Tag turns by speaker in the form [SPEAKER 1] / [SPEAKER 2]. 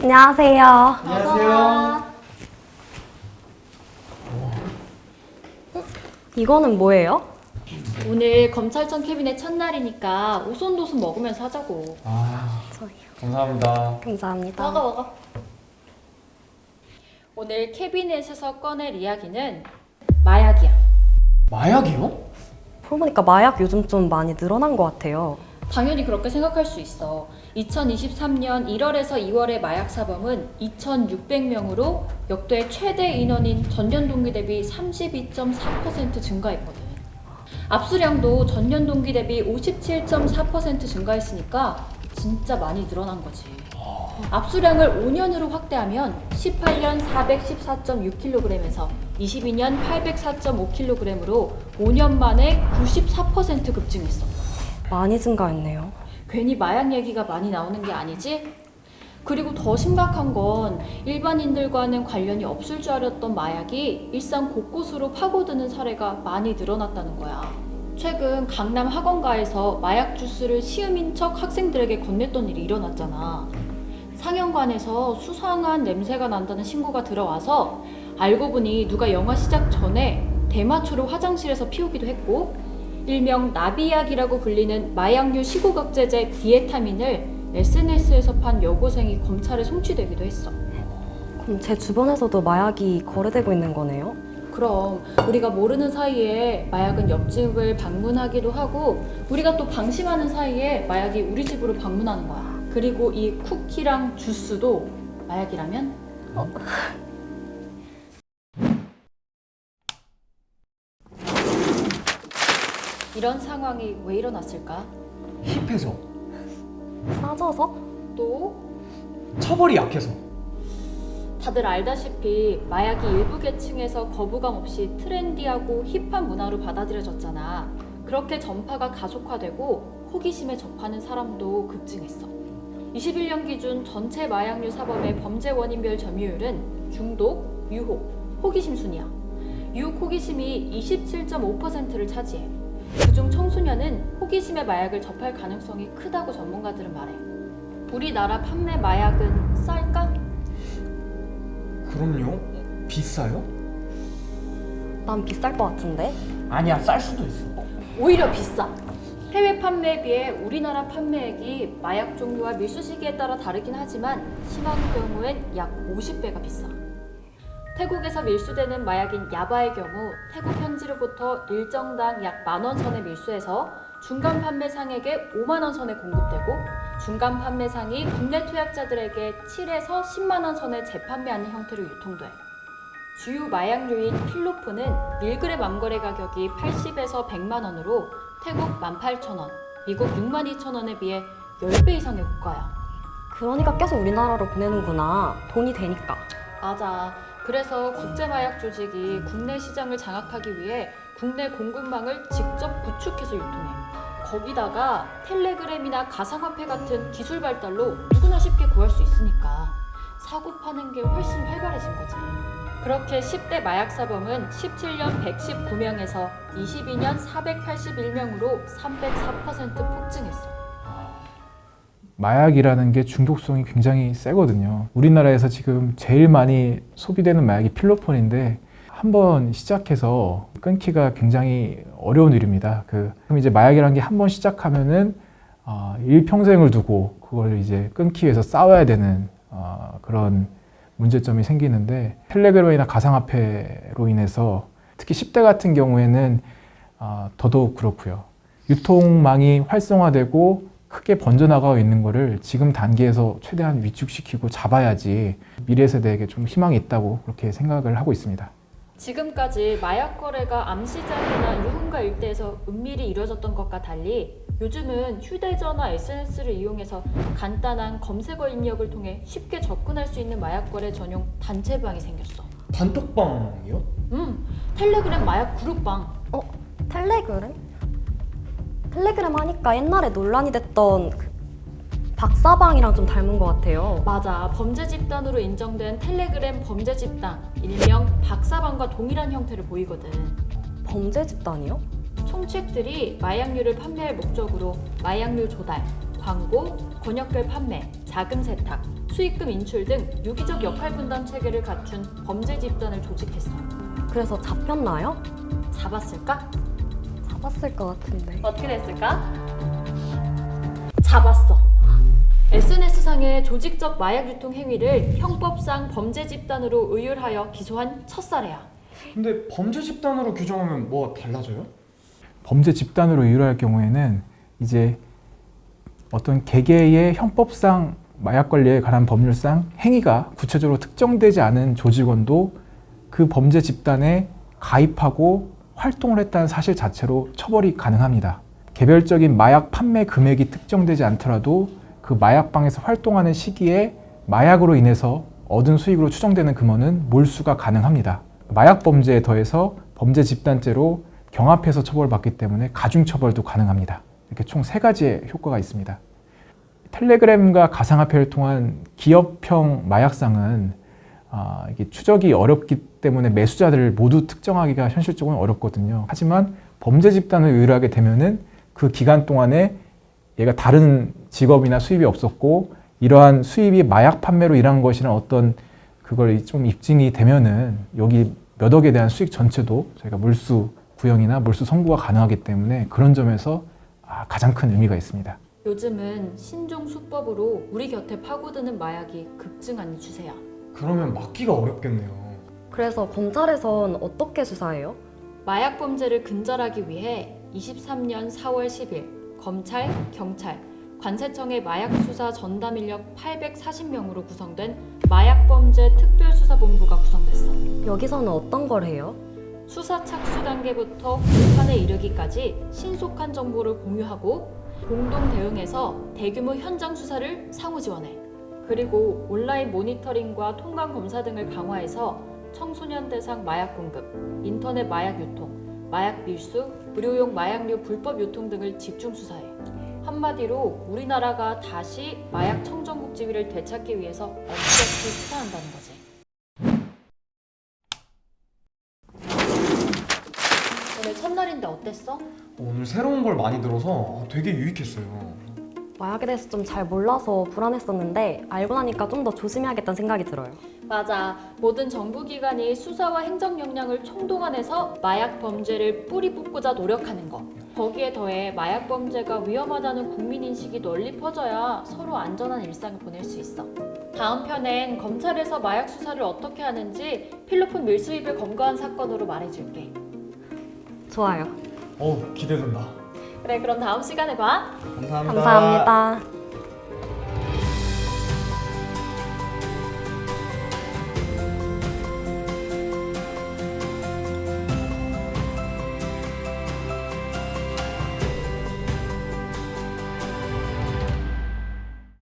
[SPEAKER 1] 안녕하세요.
[SPEAKER 2] 안녕하세요.
[SPEAKER 1] 이거는 뭐예요?
[SPEAKER 3] 오늘 검찰청 캐비넷 첫날이니까 오손도손 먹으면서 하자고.
[SPEAKER 1] 저희요.
[SPEAKER 2] 감사합니다.
[SPEAKER 1] 감사합니다.
[SPEAKER 3] 먹어. 오늘 캐비넷에서 꺼낼 이야기는 마약이야.
[SPEAKER 2] 마약이요?
[SPEAKER 1] 그러고 보니까 마약 요즘 좀 많이 늘어난 것 같아요.
[SPEAKER 3] 당연히 그렇게 생각할 수 있어. 2023년 1월에서 2월의 마약 사범은 2,600명으로 역대 최대 인원인 전년 동기 대비 32.4% 증가했거든. 압수량도 전년 동기 대비 57.4% 증가했으니까 진짜 많이 늘어난 거지. 압수량을 5년으로 확대하면 18년 414.6kg에서 22년 804.5kg으로 5년 만에 94% 급증했어.
[SPEAKER 1] 많이 증가했네요.
[SPEAKER 3] 괜히 마약 얘기가 많이 나오는 게 아니지? 그리고 더 심각한 건 일반인들과는 관련이 없을 줄 알았던 마약이 일상 곳곳으로 파고드는 사례가 많이 늘어났다는 거야. 최근 강남 학원가에서 마약 주스를 시음인 척 학생들에게 건넸던 일이 일어났잖아. 상영관에서 수상한 냄새가 난다는 신고가 들어와서 알고 보니 누가 영화 시작 전에 대마초를 화장실에서 피우기도 했고, 일명 나비약이라고 불리는 마약류 시고각제제 디에타민을 SNS에서 판 여고생이 검찰에 송치되기도 했어.
[SPEAKER 1] 그럼 제 주변에서도 마약이 거래되고 있는 거네요?
[SPEAKER 3] 그럼 우리가 모르는 사이에 마약은 옆집을 방문하기도 하고, 우리가 또 방심하는 사이에 마약이 우리 집으로 방문하는 거야. 그리고 이 쿠키랑 주스도 마약이라면? 이런 상황이 왜 일어났을까?
[SPEAKER 2] 힙해서,
[SPEAKER 1] 싸져서?
[SPEAKER 3] 또
[SPEAKER 2] 처벌이 약해서.
[SPEAKER 3] 다들 알다시피 마약이 일부 계층에서 거부감 없이 트렌디하고 힙한 문화로 받아들여졌잖아. 그렇게 전파가 가속화되고 호기심에 접하는 사람도 급증했어. 21년 기준 전체 마약류 사범의 범죄 원인별 점유율은 중독, 유혹, 호기심 순이야. 유혹 호기심이 27.5%를 차지해. 그중 청소년은 호기심의 마약을 접할 가능성이 크다고 전문가들은 말해. 우리나라 판매 마약은 쌀까?
[SPEAKER 2] 그럼요? 비싸요?
[SPEAKER 1] 난 비쌀 것 같은데?
[SPEAKER 2] 아니야, 쌀 수도 있어.
[SPEAKER 3] 오히려 비싸. 해외 판매에 비해 우리나라 판매액이 마약 종류와 밀수 시기에 따라 다르긴 하지만 심한 경우엔 약 50배가 비싸. 태국에서 밀수되는 마약인 야바의 경우 태국 현지로부터 일정당 약 10,000원 선에 밀수해서 중간 판매상에게 5만 원 선에 공급되고, 중간 판매상이 국내 투약자들에게 7에서 10만 원 선에 재판매하는 형태로 유통돼. 주요 마약류인 필로폰은 1g 암거래 가격이 80에서 100만 원으로 태국 18,000원, 미국 62,000원에 비해 10배 이상의 고가야.
[SPEAKER 1] 그러니까 계속 우리나라로 보내는구나. 돈이 되니까.
[SPEAKER 3] 맞아. 그래서 국제마약 조직이 국내 시장을 장악하기 위해 국내 공급망을 직접 구축해서 유통해. 거기다가 텔레그램이나 가상화폐 같은 기술 발달로 누구나 쉽게 구할 수 있으니까 사고 파는 게 훨씬 활발해진 거지. 그렇게 10대 마약 사범은 17년 119명에서 22년 481명으로 304% 폭증했어.
[SPEAKER 4] 마약이라는 게 중독성이 굉장히 세거든요. 우리나라에서 지금 제일 많이 소비되는 마약이 필로폰인데 한번 시작해서 끊기가 굉장히 어려운 일입니다. 그럼 이제 마약이라는 게 한번 시작하면은 일평생을 두고 그걸 이제 끊기 위해서 싸워야 되는 그런 문제점이 생기는데, 텔레그램이나 가상화폐로 인해서 특히 10대 같은 경우에는 더더욱 그렇고요. 유통망이 활성화되고 크게 번져나가고 있는 거를 지금 단계에서 최대한 위축시키고 잡아야지 미래 세대에게 좀 희망이 있다고 그렇게 생각을 하고 있습니다.
[SPEAKER 3] 지금까지 마약 거래가 암시장이나 유흥가 일대에서 은밀히 이루어졌던 것과 달리 요즘은 휴대전화 SNS를 이용해서 간단한 검색어 입력을 통해 쉽게 접근할 수 있는 마약 거래 전용 단체방이 생겼어.
[SPEAKER 2] 단톡방이요?
[SPEAKER 3] 텔레그램 마약 그룹방.
[SPEAKER 1] 텔레그램? 텔레그램 하니까 옛날에 논란이 됐던 그 박사방이랑 좀 닮은 것 같아요.
[SPEAKER 3] 맞아. 범죄 집단으로 인정된 텔레그램 범죄 집단, 일명 박사방과 동일한 형태를 보이거든.
[SPEAKER 1] 범죄 집단이요?
[SPEAKER 3] 총책들이 마약류를 판매할 목적으로 마약류 조달, 광고, 권역별 판매, 자금 세탁, 수익금 인출 등 유기적 역할 분담 체계를 갖춘 범죄 집단을 조직했어.
[SPEAKER 1] 그래서 잡혔나요?
[SPEAKER 3] 잡았을까?
[SPEAKER 1] 잡았을 것 같은데.
[SPEAKER 3] 어떻게 됐을까? 잡았어. SNS상의 조직적 마약 유통 행위를 형법상 범죄 집단으로 의율하여 기소한 첫 사례야.
[SPEAKER 2] 근데 범죄 집단으로 규정하면 뭐가 달라져요?
[SPEAKER 4] 범죄 집단으로 이유할 경우에는 이제 어떤 개개의 형법상 마약 관리에 관한 법률상 행위가 구체적으로 특정되지 않은 조직원도 그 범죄 집단에 가입하고 활동을 했다는 사실 자체로 처벌이 가능합니다. 개별적인 마약 판매 금액이 특정되지 않더라도 그 마약방에서 활동하는 시기에 마약으로 인해서 얻은 수익으로 추정되는 금원은 몰수가 가능합니다. 마약 범죄에 더해서 범죄 집단죄로 경합해서 처벌받기 때문에 가중처벌도 가능합니다. 이렇게 총 3가지의 효과가 있습니다. 텔레그램과 가상화폐를 통한 기업형 마약상은 이게 추적이 어렵기 때문에 매수자들을 모두 특정하기가 현실적으로 어렵거든요. 하지만 범죄 집단을 의뢰하게 되면은 그 기간 동안에 얘가 다른 직업이나 수입이 없었고 이러한 수입이 마약 판매로 일한 것이란 어떤 그걸 좀 입증이 되면은 여기 몇 억에 대한 수익 전체도 저희가 몰수 구형이나 몰수 선고가 가능하기 때문에 그런 점에서 가장 큰 의미가 있습니다.
[SPEAKER 3] 요즘은 신종 수법으로 우리 곁에 파고드는 마약이 급증하는 추세야.
[SPEAKER 2] 그러면 막기가 어렵겠네요.
[SPEAKER 1] 그래서 검찰에선 어떻게 수사해요?
[SPEAKER 3] 마약 범죄를 근절하기 위해 23년 4월 10일 검찰, 경찰, 관세청의 마약 수사 전담 인력 840명으로 구성된 마약범죄 특별수사본부가 구성됐어.
[SPEAKER 1] 여기서는 어떤 걸 해요?
[SPEAKER 3] 수사 착수 단계부터 공판에 이르기까지 신속한 정보를 공유하고 공동 대응해서 대규모 현장 수사를 상호 지원해. 그리고 온라인 모니터링과 통관 검사 등을 강화해서 청소년 대상 마약 공급, 인터넷 마약 유통, 마약 밀수, 의료용 마약류 불법 유통 등을 집중 수사해. 한마디로 우리나라가 다시 마약 청정국 지위를 되찾기 위해서 엄격히 수사한다는 거지. 오늘 첫날인데 어땠어?
[SPEAKER 2] 오늘 새로운 걸 많이 들어서 되게 유익했어요.
[SPEAKER 1] 마약에 대해서 좀 잘 몰라서 불안했었는데 알고 나니까 좀 더 조심해야겠다는 생각이 들어요.
[SPEAKER 3] 맞아. 모든 정부기관이 수사와 행정 역량을 총동원해서 마약 범죄를 뿌리 뽑고자 노력하는 거. 거기에 더해 마약 범죄가 위험하다는 국민인식이 널리 퍼져야 서로 안전한 일상을 보낼 수 있어. 다음 편엔 검찰에서 마약 수사를 어떻게 하는지 필로폰 밀수입을 검거한 사건으로 말해줄게.
[SPEAKER 1] 좋아요.
[SPEAKER 2] 기대된다.
[SPEAKER 3] 그래, 그럼 다음 시간에 봐.
[SPEAKER 2] 감사합니다.
[SPEAKER 1] 감사합니다.